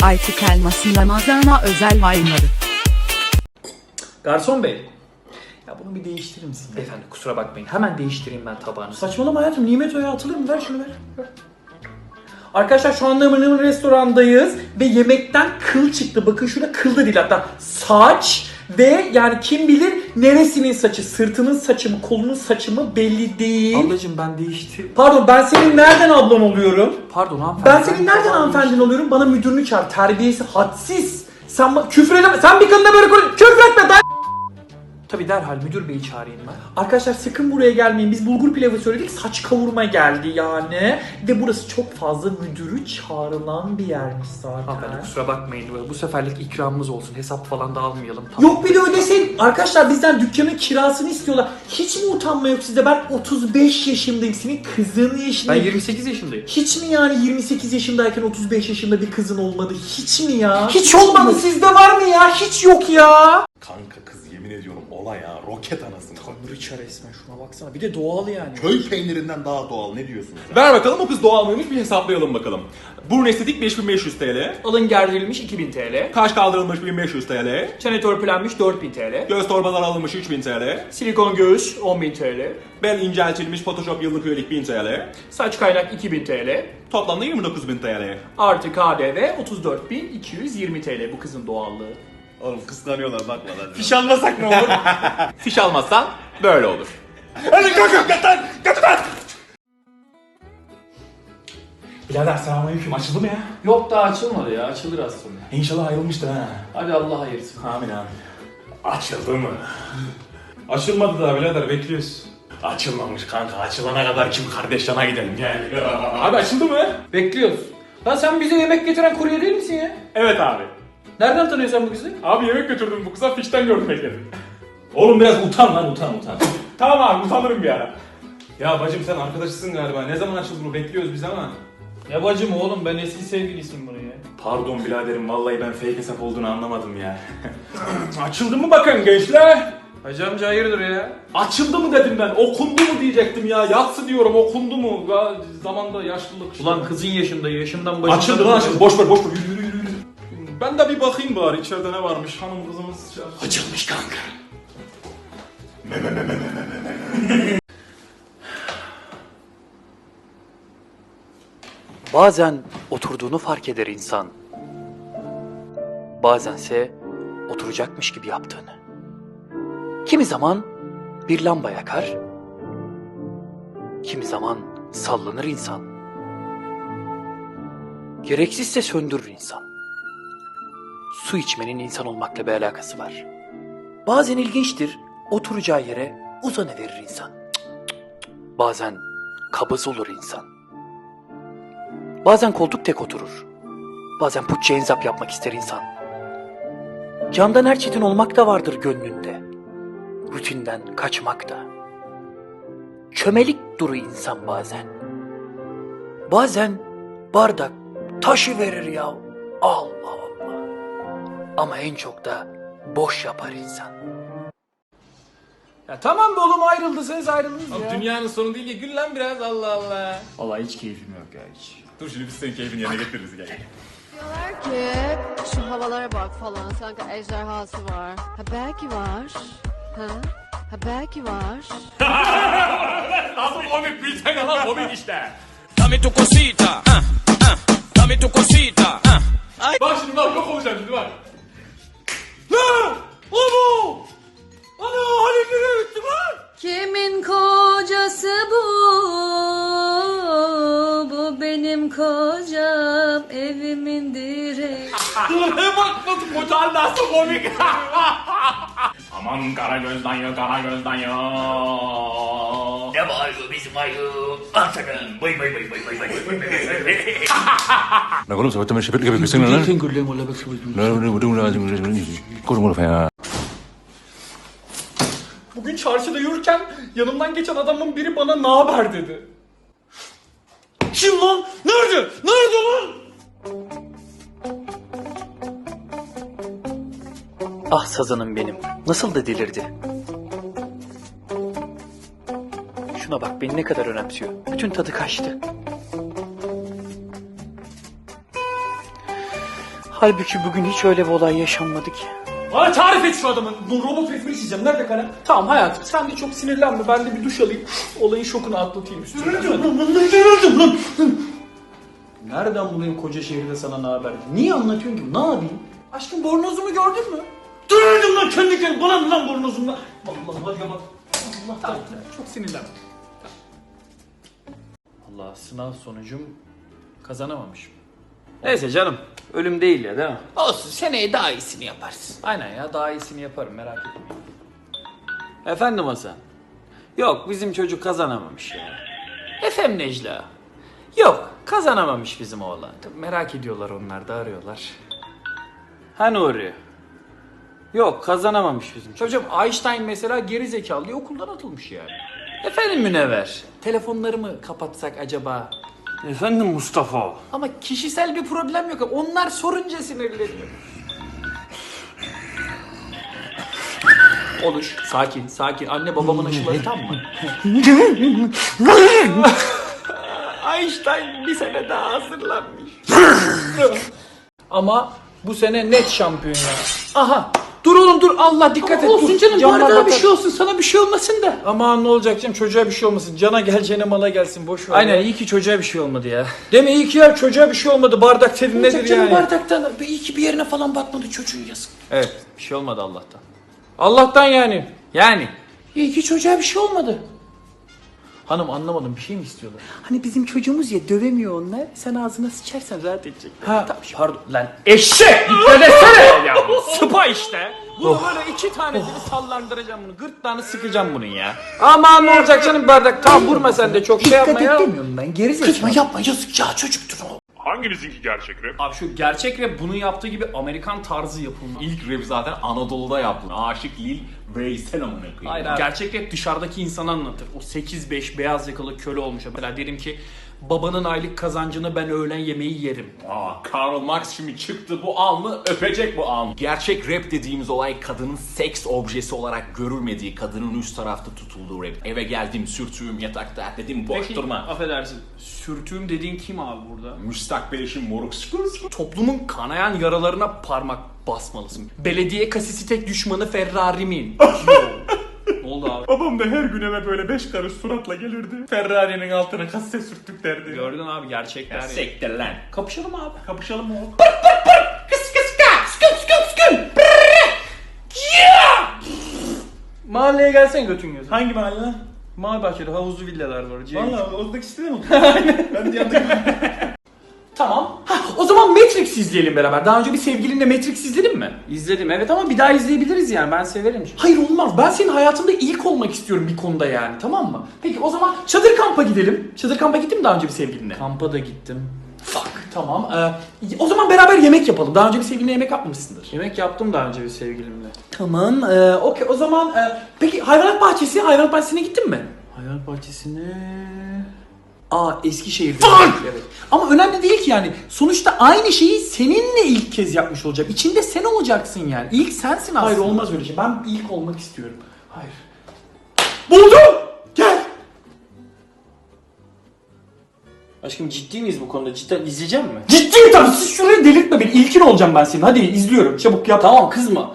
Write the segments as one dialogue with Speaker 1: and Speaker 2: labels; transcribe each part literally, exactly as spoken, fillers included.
Speaker 1: Ayçiçek elması Ramazan'a özel wayları.
Speaker 2: Garson bey. Ya bunu bir değiştirir misin? Beyefendi kusura bakmayın. Hemen değiştireyim ben tabağını. Saçmalama hayatım. Nimet Oya atılır mı? Ver şunu ver. ver. Arkadaşlar şu anda Mırnımır restorandayız ve yemekten kıl çıktı. Bakın şurada kıl da değil hatta saç ve yani kim bilir neresinin saçı, sırtının saçı mı, kolunun saçı mı belli değil.
Speaker 3: Ablacım ben değişti.
Speaker 2: Pardon ben senin nereden ablan oluyorum?
Speaker 3: Pardon hanımefendi.
Speaker 2: Ben senin nereden hanımefendin oluyorum? Bana müdürünü çağır. Terbiyesi hadsiz. Sen ba- küfür edeme. Sen bir kadına böyle konuş. Küfür etme. Ben...
Speaker 3: Tabii derhal müdür beyi çağırayım ben.
Speaker 2: Arkadaşlar sakın buraya gelmeyin. Biz bulgur pilavı söyledik. Saç kavurma geldi yani. Ve burası çok fazla müdürü çağrılan bir yermiş zaten.
Speaker 3: Hanımefendi kusura bakmayın. Bu seferlik ikramımız olsun. Hesap falan da almayalım. Tamam.
Speaker 2: Yok bir de ödeseydin. Arkadaşlar bizden dükkanın kirasını istiyorlar. Hiç mi utanma yok sizde? Ben otuz beş yaşındayım. Senin kızın
Speaker 3: Ben
Speaker 2: yaşındayım.
Speaker 3: yirmi sekiz yaşındayım.
Speaker 2: Hiç mi yani yirmi sekiz yaşındayken otuz beş yaşında bir kızın olmadı? Hiç mi ya? Hiç olmadı. Sizde var mı ya? Hiç yok ya.
Speaker 4: Kanka kız yemin ediyorum olay ya roket anasını.
Speaker 2: Tanrıça resmen şuna baksana. Bir de doğal yani.
Speaker 4: Köy peynirinden daha doğal ne diyorsun sen?
Speaker 5: Ver bakalım o kız doğal mıymış bir hesaplayalım bakalım. Burun estetik beş bin beş yüz T L.
Speaker 2: Alın gerdirilmiş iki bin T L.
Speaker 5: Kaş kaldırılmış bin beş yüz T L.
Speaker 2: Çene törpülenmiş dört bin T L.
Speaker 5: Göz torbaları alınmış üç bin T L.
Speaker 2: Silikon göğüs on bin T L.
Speaker 5: Bel inceltilmiş Photoshop yıllık üyelik bin T L.
Speaker 2: Saç kaynak iki bin T L.
Speaker 5: Toplamda yirmi dokuz bin T L.
Speaker 2: Artı K D V otuz dört bin iki yüz yirmi T L bu kızın doğallığı.
Speaker 4: Oğlum kıskanıyorlar bakma lan.
Speaker 5: Fiş almasak ne olur? Fiş almazsan böyle olur. Hadi kalkın götür götür. Birader selamünaleyküm açıldı mı ya?
Speaker 3: Yok daha açılmadı ya. Açılır az sonra.
Speaker 5: İnşallah ayrılmıştır ha.
Speaker 3: Hadi Allah hayırsın.
Speaker 5: Amin amin. Açıldı mı?
Speaker 6: Açılmadı daha birader bekliyoruz.
Speaker 5: Açılmamış kanka. Açılana kadar kim kardeş yana gidelim gel.
Speaker 6: Abi açıldı mı?
Speaker 3: Bekliyoruz. Lan sen bize yemek getiren kurye değil misin ya?
Speaker 5: Evet abi.
Speaker 3: Nereden tanıyorsun sen bu kızı?
Speaker 5: Abi yemek götürdüm bu kıza fişten gördüm bekledim.
Speaker 6: Oğlum biraz utan lan utan utan.
Speaker 5: Tamam abi utanırım bir ara.
Speaker 6: Ya bacım sen arkadaşısın galiba. Ne zaman açıldı bu bekliyoruz biz ama.
Speaker 3: Ya bacım oğlum ben eski sevgilisiyim bunu ya.
Speaker 5: Pardon biraderim vallahi ben fake hesap olduğunu anlamadım ya. Açıldı mı bakın gençler?
Speaker 3: Hacı amca hayırdır ya?
Speaker 5: Açıldı mı dedim ben. Okundu mu diyecektim ya. Yatsı diyorum okundu mu? Ya, zamanda yaşlılık. işte.
Speaker 3: Ulan kızın yaşında yaşından başında.
Speaker 5: Açıldı lan açıldı. Boş ver boş ver. Yürü yürü yürü. yürü. Ben de bir bakayım bari içeride ne varmış. Hanım kızımız.
Speaker 4: Açılmış kanka.
Speaker 7: Bazen oturduğunu fark eder insan. Bazense oturacakmış gibi yaptığını. Kimi zaman bir lamba yakar. Kimi zaman sallanır insan. Gereksizse söndürür insan. Su içmenin insan olmakla bir alakası var. Bazen ilginçtir, oturacağı yere uzanıverir insan. Cık cık cık. Bazen kabız olur insan. Bazen koltuk tek oturur. Bazen putça enzap yapmak ister insan. Candan her çetin olmak da vardır gönlünde. Rutinden kaçmak da. Çömelik duru insan bazen. Bazen bardak taşı verir ya. Allah Allah. Ama en çok da boş yapar insan.
Speaker 3: Ya tamam be oğlum ayrıldıysanız ayrıldınız
Speaker 5: Abi
Speaker 3: ya.
Speaker 5: dünyanın sonu değil ki gül lan biraz Allah Allah.
Speaker 6: Vallahi hiç keyfim yok ya hiç.
Speaker 5: Dur şimdi biz senin keyfini yerine getiririz gel.
Speaker 8: Diyorlar ki şu havalara bak falan sanki ejderhası var. Ha belki var. Ha? Ha belki var.
Speaker 5: Nasıl komik bilsene lan komik işte.
Speaker 9: Dame tu cosita, ah, ah, dame tu cosita, ah.
Speaker 5: Bak şimdi bak yok olacağım şimdi bak. Lan! Ana! Ana halimleri bitti lan!
Speaker 8: Kimin kocası bu? Bu benim kocam, evimin direği.
Speaker 5: Dur bak nasıl kocan nasıl komik. Aman kara gözden ya kara gözden ya.
Speaker 7: Ne var bizim ayı? Aslanım. Bay bay bay bay bay bay.
Speaker 6: Na oğlum sabahtan beri şefetlik yapıyorsun lan.
Speaker 3: Sen gürlüğüm ola bak şu.
Speaker 6: Koşma ya.
Speaker 2: Bugün çarşıda yürürken yanımdan geçen adamın biri bana ne haber dedi. Kim lan? Nerede? Nerede lan?
Speaker 7: Ah sazanım benim. Nasıl da delirdi. Şuna bak beni ne kadar önemsiyor. Bütün tadı kaçtı. Halbuki bugün hiç öyle bir olay yaşanmadı ki.
Speaker 3: Bana tarif et şu adamın. Bu robot resmini çizeceğim. Nerede kalem? Tamam hayatım sen de çok sinirlenme. Ben de bir duş alayım. Olayın şokunu atlatayım üstüne. Nereden bulayım koca şehirde sana ne haber? Niye anlatıyorsun ki? Ne yapayım? Aşkım bornozumu gördün mü? Dönürdüm lan kendi kendine. Bana mı lan bornozumla? Allah'ım hadi bak. Allah tamam, çok sinirlenme. Allah sınav sonucum kazanamamışım. Neyse canım. Ölüm değil ya değil mi?
Speaker 2: Olsun seneye daha iyisini yaparsın.
Speaker 3: Aynen ya daha iyisini yaparım merak etmeyin. Efendim Hasan. Yok bizim çocuk kazanamamış ya. Efendim Necla. Yok kazanamamış bizim oğlan. Tabii merak ediyorlar onlar da arıyorlar. Ha Nuri. Yok kazanamamış bizim çocuk. Hocam Einstein mesela geri zekalı diye okuldan atılmış yani. Efendim Münevver. Telefonlarımı kapatsak acaba? Efendim Mustafa. Ama kişisel bir problem yok. Onlar sorunca sinirleniyor. Oluş. Sakin, sakin. Anne babamın aşıları tam mı? Einstein bir sene daha hazırlanmış. Ama bu sene net şampiyon ya. Aha. Dur oğlum dur. Allah dikkat et.
Speaker 2: Olsun
Speaker 3: dur.
Speaker 2: canım
Speaker 3: Camlar
Speaker 2: bardağa bir
Speaker 3: batar.
Speaker 2: şey olsun sana bir şey olmasın da.
Speaker 3: Aman ne olacak canım çocuğa bir şey olmasın. Cana geleceğine mala gelsin boş ver. Aynen iyi ki çocuğa bir şey olmadı ya. Değil mi iyi ki ya çocuğa bir şey olmadı. Bardak dedin nedir
Speaker 2: Canım
Speaker 3: yani?
Speaker 2: bardaktan iyi ki bir yerine falan batmadı çocuğun yazık.
Speaker 3: Evet bir şey olmadı Allah'tan. Allah'tan yani. Yani.
Speaker 2: İyi ki çocuğa bir şey olmadı.
Speaker 3: Hanım anlamadım bir şey mi istiyorlar?
Speaker 2: Hani bizim çocuğumuz ya dövemiyor onlar. Sen ağzına sıçarsan rahat edecek.
Speaker 3: Ha pardon lan eşek dikkat etsene ya. Sıpa işte. Bunu böyle iki tanesini sallandıracağım bunu. Gırtlağını sıkacağım bunun ya. Aman ne olacak canım bardak. Tamam vurma sen de çok şey
Speaker 2: Dikkat
Speaker 3: yapma
Speaker 2: et
Speaker 3: ya.
Speaker 2: demiyorum ben geri zekalı. Kızma yapma yazık ya çocuktur o.
Speaker 5: Hanginizinki gerçek rap?
Speaker 3: Abi şu gerçek rap bunu yaptığı gibi Amerikan tarzı yapılmış.
Speaker 6: İlk rap zaten Anadolu'da yaptı. Aşık Lil Veysel amına koyayım.
Speaker 3: Hayır abi. Gerçek rap dışarıdaki insanı anlatır. O sekiz beş beyaz yakalı köle olmuş. Mesela derim ki babanın aylık kazancını ben öğlen yemeği yerim.
Speaker 6: Aa, Karl Marx şimdi çıktı bu alnı öpecek bu alnı. Gerçek rap dediğimiz olay kadının seks objesi olarak görülmediği, kadının üst tarafta tutulduğu rap. Eve geldim, sürtüğüm yatakta dedim boş
Speaker 3: Peki,
Speaker 6: durma.
Speaker 3: affedersin. Sürtüğüm dediğin kim abi burada?
Speaker 6: Müstakbel eşim moruk sıkır.
Speaker 3: Toplumun kanayan yaralarına parmak basmalısın. Belediye kasisi tek düşmanı Ferrari'min. Ne oldu abi?
Speaker 5: Babam da her gün eve böyle beş karış suratla gelirdi. Ferrari'nin altına kasse sürttük derdi.
Speaker 3: Gördün abi gerçekler.
Speaker 6: Ya sektir lan.
Speaker 3: Kapışalım abi.
Speaker 5: Kapışalım mı?
Speaker 3: Mahalleye gelsen götün gözü.
Speaker 5: Hangi mahalle lan?
Speaker 3: Mahalle bahçede havuzlu villalar var.
Speaker 5: Valla oradaki sitede mi? Ben de yanındaki
Speaker 3: Tamam. Hah, o zaman Matrix izleyelim beraber. Daha önce bir sevgilinle Matrix izledin mi? İzledim evet ama bir daha izleyebiliriz yani ben severim. Hayır olmaz. Ben senin hayatında ilk olmak istiyorum bir konuda yani tamam mı? Peki o zaman çadır kampa gidelim. Çadır kampa gittin mi daha önce bir sevgilinle? Kampa da gittim. Fuck. Tamam. Ee, o zaman beraber yemek yapalım. Daha önce bir sevgilinle yemek yapmamışsındır. Yemek yaptım daha önce bir sevgilimle. Tamam. Ee, Okey o zaman e, peki hayvanat bahçesi, hayvanat bahçesine gittin mi? Hayvanat bahçesine... Aa Eskişehir'de. Evet. Ama önemli değil ki yani. Sonuçta aynı şeyi seninle ilk kez yapmış olacak. İçinde sen olacaksın yani. İlk sensin aslında. Hayır olmaz öyle şey. Ben ilk olmak istiyorum. Hayır. Buldum! Gel! Aşkım ciddi miyiz bu konuda? Cidden izleyeceğim mi? Ciddiyim tabii. Siz şuraya delirtme beni. İlkin olacağım ben senin. Hadi izliyorum. Çabuk yap. Tamam kızma.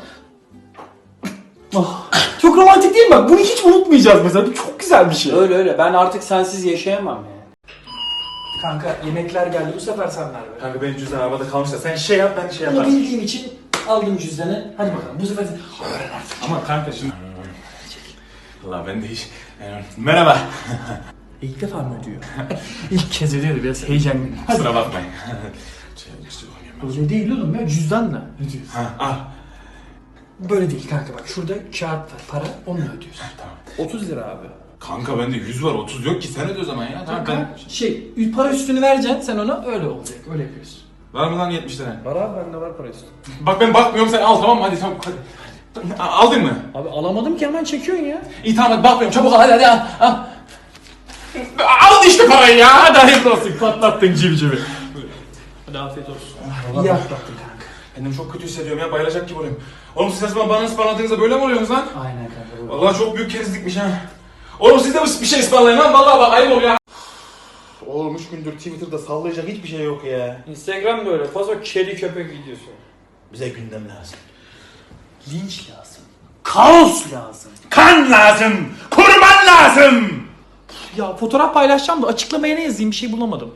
Speaker 3: Oh, çok romantik değil mi? Bak bunu hiç unutmayacağız mesela. Bu çok güzel bir şey. Öyle öyle. Ben artık sensiz yaşayamam yani. Kanka yemekler geldi. Bu sefer sen ver be.
Speaker 5: Kanka benim cüzdan arabada kalmış da sen şey yap ben şey
Speaker 3: Bunu
Speaker 5: yaparım.
Speaker 3: bildiğim için aldım cüzdanı. Hadi bakalım. Bu sefer sen öğren artık.
Speaker 5: Ama kanka şimdi... Allah ben de hiç... Merhaba.
Speaker 3: İlk defa mı ödüyor? İlk kez ödüyordu. Biraz heyecanlı. Hadi.
Speaker 5: Kusura bakmayın.
Speaker 3: Öyle değil oğlum ya. Cüzdanla ödüyorsun.
Speaker 5: Ha, al.
Speaker 3: Böyle değil kanka bak. Şurada kağıt var. Para. Onunla ödüyorsun.
Speaker 5: Tamam.
Speaker 3: otuz lira abi.
Speaker 5: Kanka bende yüz var otuz yok ki sen öde o zaman ya. Tamam,
Speaker 3: Kanka şey para üstünü vereceksin sen ona öyle olacak. Öyle yapıyorsun.
Speaker 5: Var mı lan yetmiş lira?
Speaker 3: Var abi bende var para üstü.
Speaker 5: Bak ben bakmıyorum sen al tamam mı hadi tamam hadi. A- Aldın mı?
Speaker 3: Abi alamadım ki hemen çekiyorsun ya.
Speaker 5: İyi tamam hadi bakmıyorum çabuk al hadi hadi al. Al, al işte parayı ya hadi hayırlı olsun patlattın civcivi.
Speaker 3: Hadi afiyet olsun. İyi atlattın kanka.
Speaker 5: Kendimi çok kötü hissediyorum ya bayılacak gibi oluyorum. Oğlum siz ne zaman bana ısmarladığınızda böyle mi oluyorsunuz lan?
Speaker 3: Aynen kanka.
Speaker 5: Vallahi çok büyük kerizlikmiş ha. Oğlum siz de bir şey ısmarlayın lan vallahi bak ayıp oluyor ya.
Speaker 4: oğlum üç gündür Twitter'da sallayacak hiçbir şey yok ya.
Speaker 3: Instagram böyle fazla kedi köpek videosu.
Speaker 4: Bize gündem lazım.
Speaker 2: Linç lazım. Kaos lazım.
Speaker 4: Kan lazım. Kurban lazım.
Speaker 2: Ya fotoğraf paylaşacağım da açıklamaya ne yazayım bir şey bulamadım.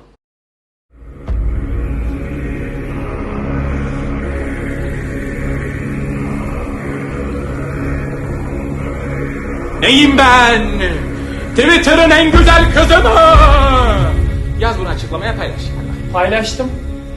Speaker 6: Neyim ben? Twitter'ın en güzel kızı mı? Yaz bunu açıklamaya paylaş.
Speaker 2: Paylaştım.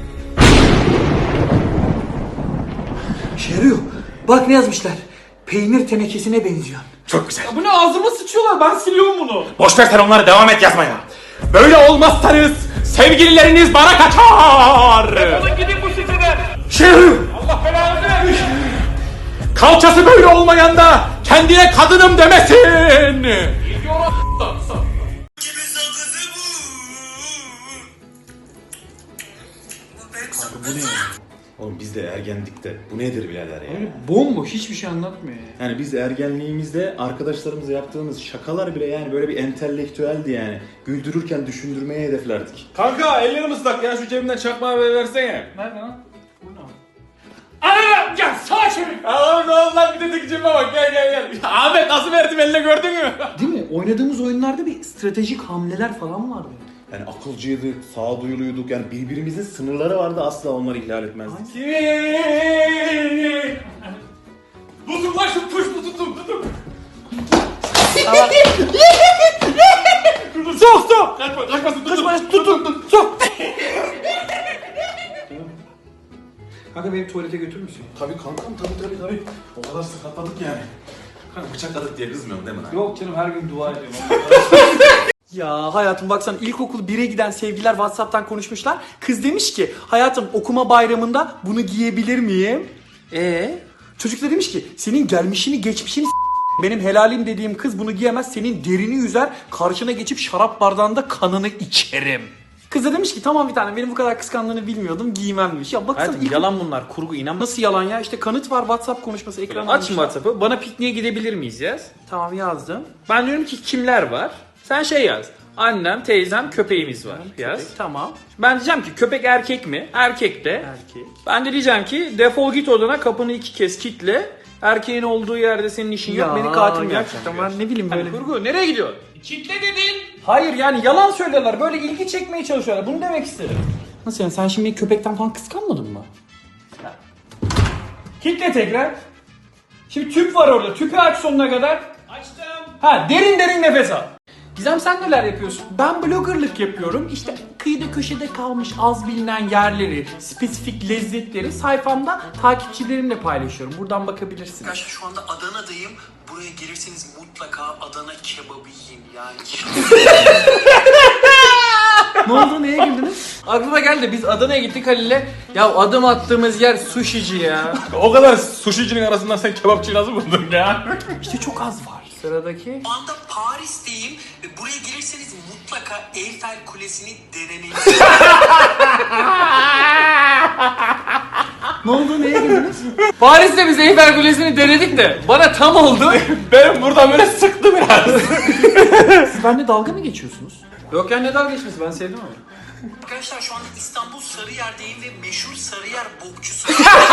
Speaker 7: Şeriyor. Bak ne yazmışlar. Peynir tenekesine benziyor.
Speaker 6: Çok güzel.
Speaker 3: Bu ne, ağzıma sıçıyorlar, ben siliyorum bunu.
Speaker 6: Boş ver sen onları, devam et yazmaya. Böyle olmazsanız sevgilileriniz bana kaçar.
Speaker 3: Oğlum gidin bu siteden.
Speaker 6: Şeriyor.
Speaker 3: Allah belanı vermiş.
Speaker 6: Kalçası böyle olmayan da kendine kadınım demesin.
Speaker 4: Oğlum biz de ergendikte. Bu nedir birader ya?
Speaker 3: Bomboş, hiçbir şey anlatmıyor ya.
Speaker 4: Yani biz ergenliğimizde arkadaşlarımızla yaptığımız şakalar bile yani böyle bir entelektüeldi yani. Güldürürken düşündürmeye hedeflerdik.
Speaker 5: Kanka ellerim ıslak ya, şu cebimden çakmağı versene.
Speaker 3: Nerede lan? Bu ne? Ana! Ya sağa çevir!
Speaker 5: Oğlum ne oldu lan, bir de cebime bak, gel gel gel. Ahmet nasıl verdim eline, gördün mü?
Speaker 2: Değil mi? Oynadığımız oyunlarda bir stratejik hamleler falan vardı.
Speaker 4: Yani akılcıydık, sağduyuluyduk yani birbirimizin sınırları vardı, asla onları ihlal etmezdik.
Speaker 5: Tutun lan şu puştu, tutun tutun.
Speaker 3: Sok sok!
Speaker 5: Kaçma kaçmasın, tutun.
Speaker 3: Kaçma, tut tut tut! Sok! Kanka beni tuvalete götürür müsün?
Speaker 4: Tabii kankam, tabii tabii tabii. O kadar sakatladık yani. Kanka bıçakladık diye kızmıyorum değil mi lan?
Speaker 3: Yok canım, her gün dua ediyorum.
Speaker 2: Ya hayatım baksana, ilkokul bire giden sevgiler WhatsApp'tan konuşmuşlar. Kız demiş ki hayatım okuma bayramında bunu giyebilir miyim? Ee? Çocuk da demiş ki senin gelmişini geçmişini s- benim helalim dediğim kız bunu giyemez, senin derini yüzer, karşına geçip şarap bardağında kanını içerim. Kız da demiş ki tamam bir tane, benim bu kadar kıskandığını bilmiyordum, giymem demiş. Ya baksana
Speaker 3: Hayatım
Speaker 2: ilk-
Speaker 3: yalan bunlar, kurgu, inanma.
Speaker 2: Nasıl yalan ya? İşte kanıt var, WhatsApp konuşması, ekran
Speaker 3: Aç WhatsApp'ı, bana pikniğe gidebilir miyiz yaz.
Speaker 2: Tamam yazdım.
Speaker 3: Ben diyorum ki kimler var? Sen şey yaz. Annem, teyzem, köpeğimiz var. Yaz.
Speaker 2: Köpek, tamam.
Speaker 3: Ben diyeceğim ki köpek erkek mi? Erkek de.
Speaker 2: Erkek.
Speaker 3: Ben de diyeceğim ki defol git odana, kapını iki kez kilitle. Erkeğin olduğu yerde senin işin yok. Beni katil mi
Speaker 2: gerçekten
Speaker 3: yapacaksın?
Speaker 2: ben ne bileyim böyle.
Speaker 3: Kurgu, nereye gidiyorsun?
Speaker 5: Kitle dedin.
Speaker 3: Hayır yani yalan söylüyorlar. Böyle ilgi çekmeye çalışıyorlar. Bunu demek istedim.
Speaker 2: Nasıl yani, sen şimdi köpekten falan kıskanmadın mı?
Speaker 3: Kitle tekrar. Şimdi tüp var orada. Tüpü aç sonuna kadar.
Speaker 5: Açtım.
Speaker 3: Ha, derin derin nefes al.
Speaker 2: Gizem sen neler yapıyorsun? Ben bloggerlık yapıyorum. İşte kıyıda köşede kalmış az bilinen yerleri, spesifik lezzetleri sayfamda takipçilerimle paylaşıyorum. Buradan bakabilirsiniz.
Speaker 7: Arkadaşlar şu anda Adana'dayım. Buraya gelirseniz mutlaka Adana kebabı yiyin yani.
Speaker 2: Ne oldu, neye güldünüz?
Speaker 3: Aklıma geldi, biz Adana'ya gittik Halil'le. Ya adım attığımız yer sushici ya.
Speaker 5: O kadar suşicinin arasından sen kebapçıyı nasıl buldun ya?
Speaker 2: İşte çok az var.
Speaker 3: Sıradaki.
Speaker 7: Şu anda Paris'teyim ve buraya gelirseniz mutlaka Eyfel Kulesi'ni denemeyin.
Speaker 2: Ne oldu, neye güldünüz?
Speaker 3: Paris'te biz Eyfel Kulesi'ni denedik de bana tam oldu.
Speaker 5: Benim burada böyle sıktı biraz.
Speaker 2: Siz benimle dalga mı geçiyorsunuz?
Speaker 3: Yok ya, ne dalga geçmesi, ben sevdim ama.
Speaker 7: Arkadaşlar şu anda İstanbul Sarıyer'deyim ve meşhur Sarıyer bokçusu.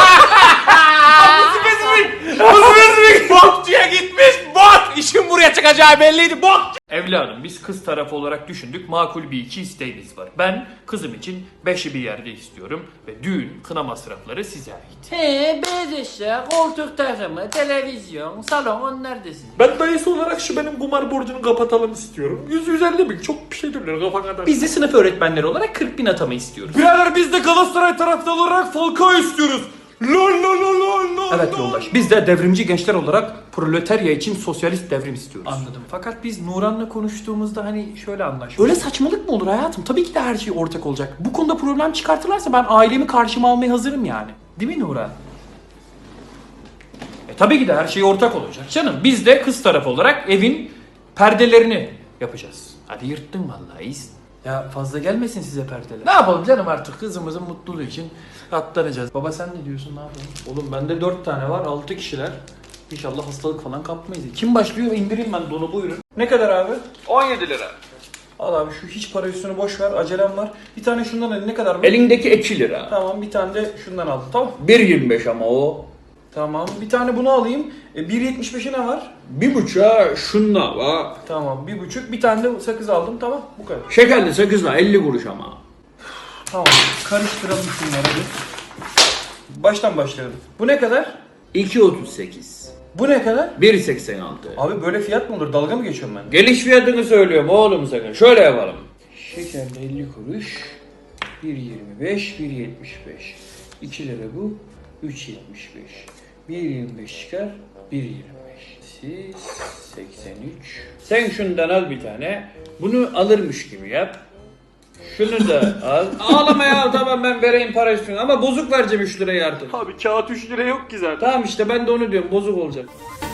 Speaker 5: Spesifik bokçuya gitmiş. Bok. İşin buraya çıkacağı belliydi. Bok.
Speaker 3: Evladım, biz kız tarafı olarak düşündük, makul bir iki isteğimiz var. Ben kızım için beşi bir yerde istiyorum ve düğün, kına masrafları size ait. He, beyaz eşya, koltuk takımı, televizyon, salon, onlar da sizin.
Speaker 5: Ben dayısı olarak şu benim kumar borcunu kapatalım istiyorum. yüz yüz elli bin çok bir şey dönüyor kafa kadar.
Speaker 3: Biz de sınıf öğretmenleri olarak kırk bin atama istiyoruz.
Speaker 5: Birader biz de Galatasaray taraftarı olarak Falcao istiyoruz. Lol lol lol lol lol.
Speaker 2: Evet yoldaş. Biz de devrimci gençler olarak proletarya için sosyalist devrim istiyoruz.
Speaker 3: Anladım. Fakat biz Nuran'la konuştuğumuzda hani şöyle anlaştık.
Speaker 2: Böyle saçmalık mı olur hayatım? Tabii ki de her şey ortak olacak. Bu konuda problem çıkartırlarsa ben ailemi karşıma almaya hazırım yani.
Speaker 3: Değil mi Nuran? E tabii ki de her şey ortak olacak canım. Biz de kız tarafı olarak evin perdelerini yapacağız. Hadi yırttın vallahi iyisin. Ya fazla gelmesin size perdeler. Ne yapalım canım, artık kızımızın mutluluğu için katlanacağız. Baba sen ne diyorsun, ne yapalım? Oğlum bende dört tane var, altı kişiler. İnşallah hastalık falan kapmayız. Kim başlıyor, indireyim ben donu, buyurun. Ne kadar abi?
Speaker 5: on yedi lira.
Speaker 2: Al abi şu hiç para üstünü boş ver. Acelem var. Bir tane şundan al. Ne kadar mı?
Speaker 3: Elindeki iki lira.
Speaker 2: Tamam bir tane de şundan al. Tamam.
Speaker 3: bir yirmi beş ama o.
Speaker 2: Tamam. Bir tane bunu alayım. E, bir yetmiş beşe ne var?
Speaker 3: Bir buçuğa şunla var.
Speaker 2: Tamam. Bir buçuk. Bir tane de sakız aldım. Tamam. Bu kadar.
Speaker 3: Şekerli sakızla elli kuruş ama.
Speaker 2: Tamam. Karıştıralım şunları bir. Baştan başlayalım. Bu ne kadar?
Speaker 3: iki otuz sekiz.
Speaker 2: Bu ne kadar?
Speaker 3: bir seksen altı.
Speaker 2: Abi böyle fiyat mı olur? Dalga mı geçiyorum ben?
Speaker 3: Geliş fiyatını söylüyorum oğlum sakın. Şöyle yapalım. Şekerli elli kuruş. bir yirmi beş, bir yetmiş beş. iki lira bu. üç yetmiş beş. bir yirmi beş çıkar. bir yirmi beş. Siz seksen üç. Sen şundan al bir tane. Bunu alırmış gibi yap. Şunu da al. Ağlama ya, tamam ben vereyim para üstüne ama bozuk vereceğim üç lirayı artık.
Speaker 2: Abi kağıt üç lira yok ki zaten.
Speaker 3: Tamam işte ben de onu diyorum, bozuk olacak.